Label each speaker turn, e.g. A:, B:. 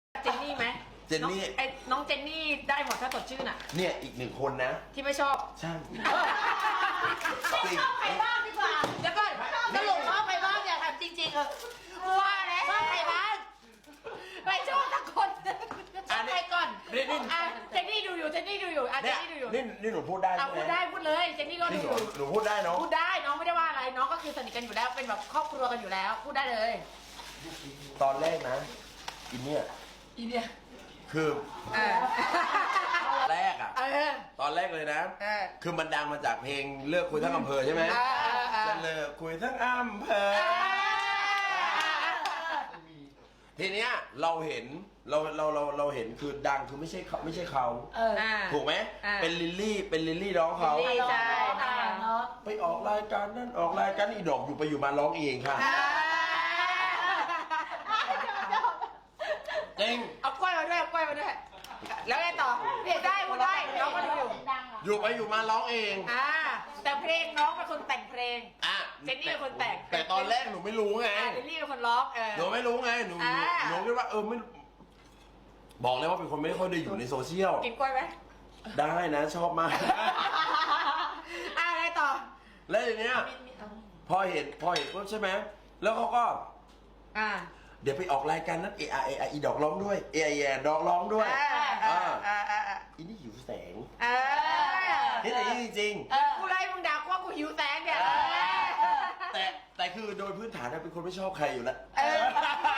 A: เจนนี่ไหม
B: เจนนี่
A: น้องเจนนี่ได้หมดถ้าสดชื่นอ่ะ
B: เนี่ยอีกหนึ่งคนนะ
A: ที่ไม่ชอบ
B: ใช่
C: ไม่ชอบใครบ้างดีกว่า
A: แล้วก็สรุปชอบใครบ้างอย่าถามจริงๆว่าแล้วชอบใครบ้างไม่ชอบสักคนชอบใครก่อนเจนนี่ดูอยู่เจนนี่ดูอยู่เจนนี่ดูอยู่
B: นี่หนูพูดได้ใช่ไหม
A: พูดได้พูดเลยเจนนี่ก็ดู
B: นี่
A: อยู่
B: หนูพูดได้เนาะ
A: พูดได้น้องไม่ได้ว่าอะไรน้องก็คือสนิทกันอยู่แล้วเป็นแบบครอบครัวกันอยู่แล้ว พูดได้เลย
B: ตอนแรกนะอินเนี่ย
A: อีเนี่ย
B: คือ
A: เออ
B: แรกอะตอนแรกเลยนะ คือมันดังมาจากเพลงเลิกคุยทั้งอำเภอใช่ไหมจะเลิกคุยทั้งอำเภอทีเนี้ยเราเห็นเราเห็นคือดังคือไม่ใช่เขาถูกไหมเป็นลิลลี่ร้องเขา
A: ลิลลี่ใช่
C: เนาะ
B: ไปออกรายการนั่นออกรายการอีดอกอยู่ไปอยู่มาร้องเองค่ะจริง
A: เอากล้วยมาด้วยเอากล้วยมาด้วยแล้วไงต่อเรียกได้พูดได้น้องก็ดูอยู่
B: อยู่ไปอยู่มาร้องเอง
A: แต่เพลงน้องเป็นคนแต่งเพลง
B: อ่ะ
A: เจนนี่เป็นคนแต่ง
B: แต่ตอนแรกหนูไม่รู้ไง
A: ลิลลี่เป็นคนร้อง
B: หนูไม่รู้ไงหนูคิดว่าไม่บอกเลยว่าเป็นคนไม่ค่อยได้อยู่ในโซเชียล
A: กินกล้วยไหม
B: ได้นะชอบมาก
A: อะไรต่อ
B: แล้วอย่างเนี้ยพอเห็นปุ๊บใช่ไหมแล้วเขาก็เดี๋ยวไปออกรายการนั้นอีดอกร้องด้วยดอกร้องด้วยอีนี่หิวแสงนี่แต่นี่จริง
A: กูไล่มึงด่าว่ากูหิวแสงเนี่ย
B: แต่คือโดยพื้นฐานเป็นคนไม่ชอบใครอยู่แล้ว